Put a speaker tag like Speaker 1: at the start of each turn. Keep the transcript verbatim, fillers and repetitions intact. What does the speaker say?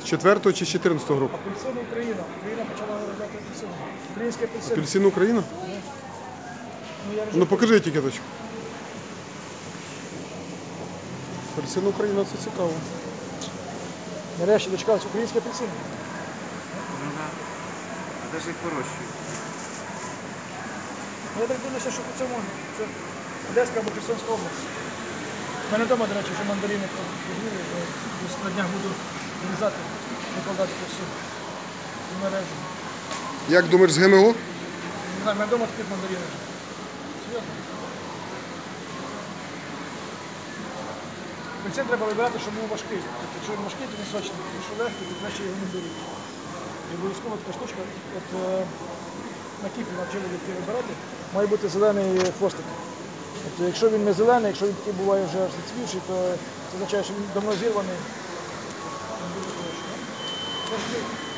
Speaker 1: З четвертого чи з чотирнадцятого року?
Speaker 2: Апельсин Україна. Україна почала виробляти апельсин. Український апельсин.
Speaker 1: Апельсин Україна?
Speaker 2: Ну, я вже...
Speaker 1: Ну покажи етикеточку. Апельсин Україна, це цікаво.
Speaker 2: Нарешті дочекалися український апельсин.
Speaker 3: Ну да. А де ж їх вирощують?
Speaker 2: Я так дивлюся, що по цьому це Одеська або Херсонська область. У мене вдома, до речі, вже мандарини позбіли, бо на днях буду вирізати, викладати по всю мережу.
Speaker 1: Як думаєш, з ГМО?
Speaker 2: Не знаю, у мене вдома такі мандарини вже. Серйозно. Апельсин треба вибирати, щоб був важкий. Тобто, якщо він важкий, то він сочний. Якщо легкий, то краще його не беруть. І обов'язково така штучка, от е, на кіпі навчили дітей вибирати, має бути зелений хвостик. Тобто, якщо він не зелений, якщо він такий буває вже аж зацвівший, то це означає, що він давно зірваний. Він буде хороший.